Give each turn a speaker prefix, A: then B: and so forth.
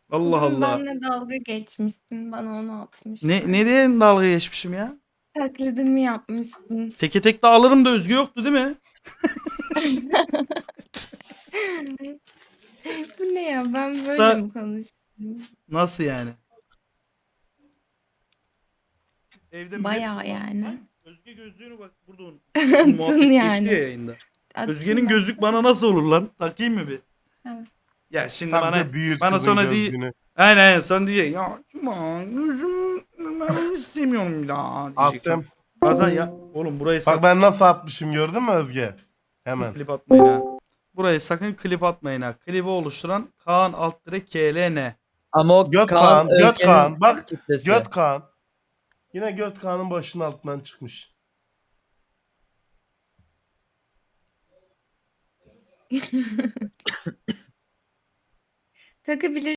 A: Allah
B: Bugün
A: Allah.
B: benimle dalga geçmişsin. Bana onu
A: Ne
B: atmışlar.
A: diye dalga geçmişim ya?
B: Taklidimi yapmışsın.
A: Teke tek de alırım da Özge yoktu değil mi?
B: Bu ne ya? Ben böyle
A: Da
B: mi konuştum?
A: nasıl yani? Evde millet
B: Bayağı
A: kullan.
B: yani.
A: Lan Özge gözlüğünü bak burada unutmuş. Dün
B: Attın
A: muhabbet geçti ya
B: yani.
A: yayında. Özge'nin
B: Attın
A: gözlük
B: bak.
A: bana nasıl olur lan? Takayım mı bir?
B: Evet.
A: Ya şimdi
C: Tabii
A: bana
C: de büyür
A: bana
C: kızın
A: sonra değil.
C: gözlüğünü.
A: Aynen sonra diyecek. Ya Cuma gözüm ben onu istemiyorum bir daha diyeceksin.
C: Attım.
A: Hasan ya oğlum burayı
C: Bak ben nasıl atmışım gördün mü Özge? Hemen.
A: klip atmayın ha. Burayı sakın klip atmayın ha. Klibi oluşturan Kaan Altdire KLN.
D: Ama o Kaan
C: Göt
D: Özge'nin
C: Kaan. Bak
D: kitlesi.
C: Göt Kaan. Yine Göt Kaan'ın başının altından çıkmış.
B: Takabilir